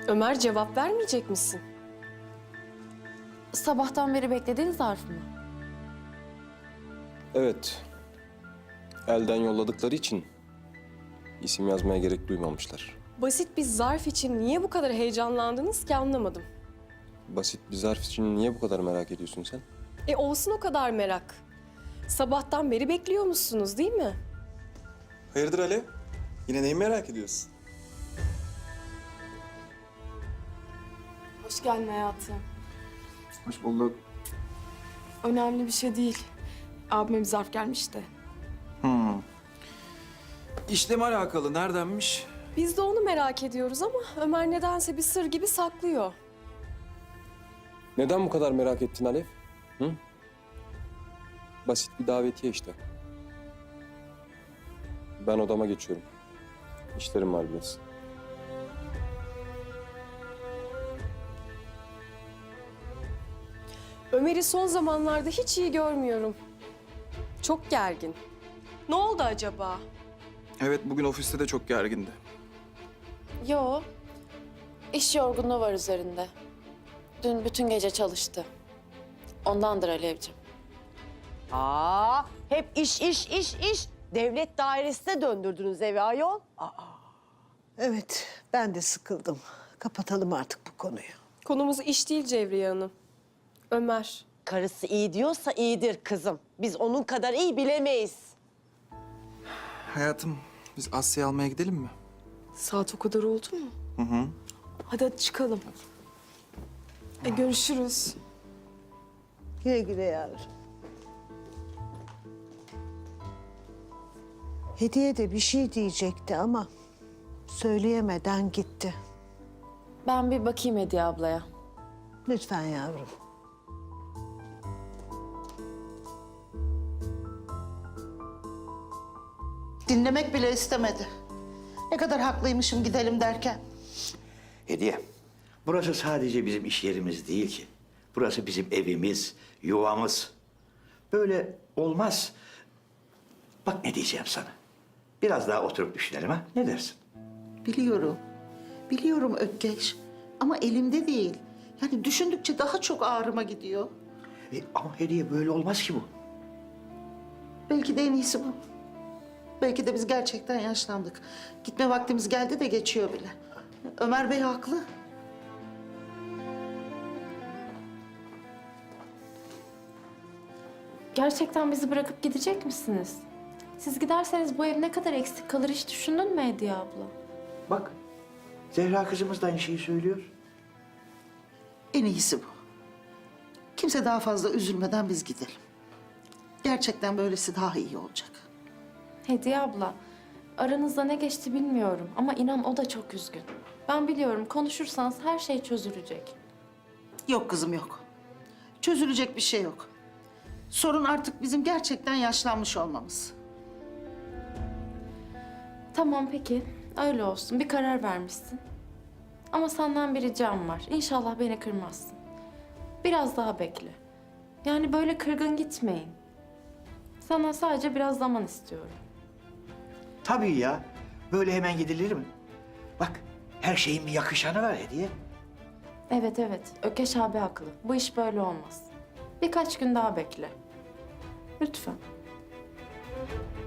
Ömer, cevap vermeyecek misin? Sabahtan beri beklediğin zarf mı? Evet. Elden yolladıkları için isim yazmaya gerek duymamışlar. Basit bir zarf için niye bu kadar heyecanlandınız ki anlamadım. Basit bir zarf için niye bu kadar merak ediyorsun sen? Olsun o kadar merak. Sabahtan beri bekliyormuşsunuz değil mi? Hayırdır Alev? Yine neyi merak ediyorsun? Hoş geldin hayatım. Hoş bulduk. Önemli bir şey değil. Abime bir zarf gelmiş de. İşle mi alakalı? Neredenmiş? Biz de onu merak ediyoruz ama Ömer nedense bir sır gibi saklıyor. Neden bu kadar merak ettin Alev? Hı? Basit bir davetiye işte. Ben odama geçiyorum. İşlerim var biraz. Ömer'i son zamanlarda hiç iyi görmüyorum. Çok gergin. Ne oldu acaba? Evet, bugün ofiste de çok gergindi. Yo. İş yorgunluğu var üzerinde. Dün bütün gece çalıştı. Ondandır Alevciğim. Hep iş. Devlet dairesine döndürdünüz evi ayol. Evet, ben de sıkıldım. Kapatalım artık bu konuyu. Konumuz iş değil Cevriye Hanım. Ömer. Karısı iyi diyorsa iyidir kızım. Biz onun kadar iyi bilemeyiz. Hayatım, biz Asya'yı almaya gidelim mi? Saat o kadar oldu mu? Hadi çıkalım. Görüşürüz. Güle güle yavrum. Hediye de bir şey diyecekti ama söyleyemeden gitti. Ben bir bakayım Hediye ablaya. Lütfen yavrum. Dinlemek bile istemedi. Ne kadar haklıymışım gidelim derken. Hediye, burası sadece bizim iş yerimiz değil ki. Burası bizim evimiz, yuvamız. Böyle olmaz. Bak ne diyeceğim sana. Biraz daha oturup düşünelim ha. Ne dersin? Biliyorum. Biliyorum Ökkeş. Ama elimde değil. Yani düşündükçe daha çok ağrıma gidiyor. Ama Hediye böyle olmaz ki bu. Belki de en iyisi bu. Belki de biz gerçekten yaşlandık. Gitme vaktimiz geldi de geçiyor bile. Ömer Bey haklı. Gerçekten bizi bırakıp gidecek misiniz? Siz giderseniz bu ev ne kadar eksik kalır hiç düşündün mü Hediye abla? Bak, Zehra kızımız da aynı şeyi söylüyor. En iyisi bu. Kimse daha fazla üzülmeden biz gidelim. Gerçekten böylesi daha iyi olacak. Hediye abla, aranızda ne geçti bilmiyorum ama inan o da çok üzgün. Ben biliyorum konuşursanız her şey çözülecek. Yok kızım yok. Çözülecek bir şey yok. Sorun artık bizim gerçekten yaşlanmış olmamız. Tamam peki, öyle olsun. Bir karar vermişsin. Ama senden bir ricam var. İnşallah beni kırmazsın. Biraz daha bekle. Yani böyle kırgın gitmeyin. Sana sadece biraz zaman istiyorum. Tabii ya. Böyle hemen gidilir mi? Bak, her şeyin bir yakışanı var Hediye. Evet evet, Ökeş abi haklı. Bu iş böyle olmaz. Birkaç gün daha bekle. Lütfen.